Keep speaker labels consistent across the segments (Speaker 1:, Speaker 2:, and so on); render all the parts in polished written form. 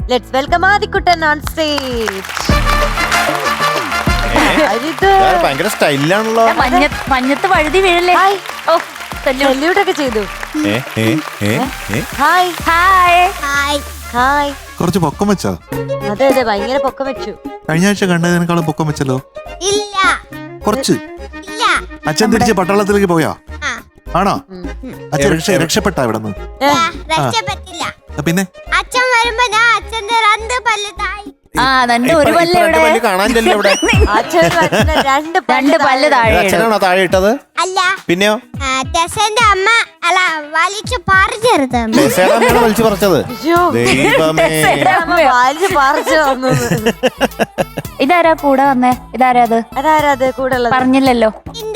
Speaker 1: Let's welcome Adikuttan on stage.
Speaker 2: ഭയങ്കര സ്റ്റൈലാണല്ലോ.
Speaker 3: മഞ്ഞത്ത് വഴുതി വീഴല്ലേ. ഓ
Speaker 1: സല്യൂട്ട് ഒക്കെ ചെയ്തു. Hi
Speaker 3: hi
Speaker 1: hi hi.
Speaker 4: കുറച്ച് പൊക്കം വെച്ചോ?
Speaker 1: അതെ അതെ, ഭയങ്കര പൊക്കം വെച്ചു.
Speaker 4: കഴിഞ്ഞ ആഴ്ച കണ്ടതിനേക്കാളും പൊക്കം വെച്ചല്ലോ.
Speaker 5: ഇല്ല
Speaker 4: കുറച്ച്.
Speaker 5: ഇല്ല.
Speaker 4: അച്ഛൻ തിരിച്ച് പട്ടാളത്തിലേക്ക് പോയോ? ആണോ? അച്ഛൻ രക്ഷപ്പെട്ടാ ഇവിടെ നിന്ന്?
Speaker 5: രക്ഷപ്പെട്ടില്ല.
Speaker 4: പിന്നെ
Speaker 5: അച്ഛൻ വരുമ്പോ ഞാൻ അച്ഛന്റെ രണ്ട് പല്ല് താഴെ.
Speaker 3: ഒരു പല്ല് ഇവിടെ
Speaker 2: കാണാനില്ലല്ലോ ഇവിടെ.
Speaker 1: രണ്ട്
Speaker 3: പല്ല് താഴെ.
Speaker 2: അച്ഛനാണോ താഴെ ഇട്ടത്?
Speaker 5: അല്ല,
Speaker 2: പിന്നെയോ?
Speaker 5: ടെസന്റെ അമ്മ അല്ല വലിച്ചു പറിച്ചെടുത്ത
Speaker 2: വലിച്ചു പറിച്ചത്. ദൈവമേ.
Speaker 1: പറിച്ചു വന്നത്.
Speaker 3: ഇതാരാ കൂടെ വന്നേ? ഇതാരാ അത്?
Speaker 1: അതാരത് കൂടെ ഉള്ളത്?
Speaker 3: പറഞ്ഞില്ലല്ലോ.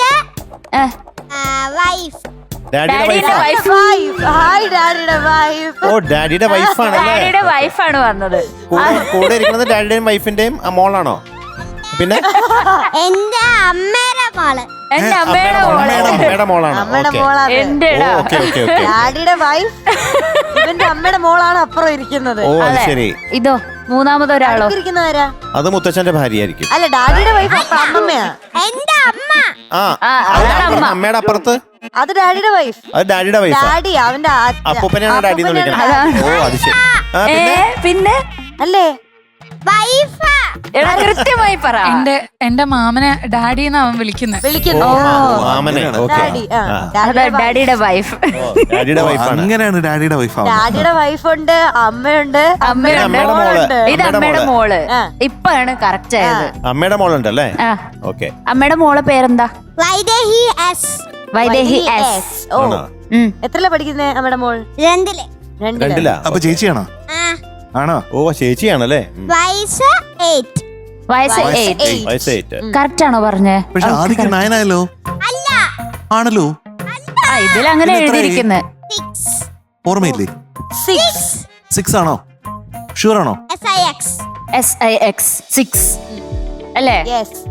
Speaker 5: വൈഫ്.
Speaker 2: ഡാഡിയുടെ വൈഫ്.
Speaker 1: ഹായ് ഡാഡിയുടെ വൈഫ്.
Speaker 2: ഓ ഡാഡിയുടെ വൈഫാണല്ലേ?
Speaker 3: ഡാഡിയുടെ വൈഫാണ് വന്നത്.
Speaker 2: കൂടെ ഇരിക്കുന്നത് ഡാഡിയുടെയും വൈഫിന്റെയും മോളാണോ? പിന്നെ
Speaker 5: എന്റെ അമ്മയുടെ മോള്.
Speaker 3: എന്റെ അമ്മയുടെ മോളാണ്.
Speaker 1: അമ്മയുടെ മോളാണ്.
Speaker 3: എന്റെടാ
Speaker 1: ഡാഡിയുടെ വൈഫ് ഇവന്റെ അമ്മയുടെ മോളാണ് അപ്പുറം ഇരിക്കുന്നത്.
Speaker 2: ഓ അത് ശരി.
Speaker 3: ഇതോ മൂന്നാമതൊരാളോ?
Speaker 1: ഇരിക്കുന്നവരാ?
Speaker 2: അത് മുത്തച്ഛന്റെ ഭാര്യയായിരിക്കും.
Speaker 1: അല്ല, ഡാഡിയുടെ വൈഫ് അമ്മമ്മയാ.
Speaker 5: എന്റെ അമ്മ.
Speaker 2: അമ്മയുടെ അപ്പുറത്ത്
Speaker 1: അത് ഡാഡിയുടെ വൈഫ്.
Speaker 2: അത് ഡാഡിയുടെ വൈഫ്.
Speaker 1: ഡാഡി അവന്റെ
Speaker 2: അപ്പൂപ്പനെയാണ് ഡാഡി എന്ന് വിളിക്കുന്നത്. ഓ അത് ശരി.
Speaker 3: പിന്നെ
Speaker 1: അല്ലേ
Speaker 5: വൈഫാ.
Speaker 3: എടാ കൃത്യമായി പറ.
Speaker 6: എന്റെ മാമനെ ഡാഡി എന്ന് അവൻ വിളിക്കുന്നു.
Speaker 2: മാമനെ.
Speaker 1: ഡാഡി.
Speaker 3: ഡാഡിയുടെ വൈഫ്.
Speaker 2: ഡാഡിയുടെ വൈഫാണ്.
Speaker 4: അങ്ങനെയാണ് ഡാഡിയുടെ വൈഫ്.
Speaker 1: ഡാഡിയുടെ വൈഫുണ്ട്, അമ്മയുണ്ട്,
Speaker 3: അമ്മയുടെ മോള്. ഇത് അമ്മയുടെ മോള്. ഇപ്പാണ് കറക്റ്റ് ആയത്.
Speaker 2: അമ്മയുടെ മോളുണ്ട് അല്ലേ? ഓക്കെ.
Speaker 3: അമ്മയുടെ മോളെ പേരെന്താ?
Speaker 5: വൈദേഹി എസ്.
Speaker 3: വൈദേഹി എസ്.
Speaker 1: ഓ എത്രല്ല പഠിക്കുന്നേ അമ്മയുടെ മോൾ?
Speaker 5: രണ്ടില്.
Speaker 2: രണ്ടിലാ.
Speaker 4: അപ്പൊ ചേച്ചിയാണോ? ആണോ?
Speaker 2: ഓ ചേച്ചിയാണല്ലേ?
Speaker 5: വയസ്സ് 8.
Speaker 3: വയസ്സ് 8. കറക്റ്റ് ആണോ പറഞ്ഞേ?
Speaker 4: പക്ഷെ ആദ്യം 9 ആയല്ലോ.
Speaker 5: അല്ല.
Speaker 4: ആണല്ലോ.
Speaker 3: ഇതിലങ്ങനെ എഴുതിയിരിക്കുന്നത്.
Speaker 4: ഓർമ്മയില്ലേ? 6 ആണോ? ഷുവർ ആണോ?
Speaker 5: SIX.
Speaker 3: SIX 6 അല്ലേ?
Speaker 1: യെസ്.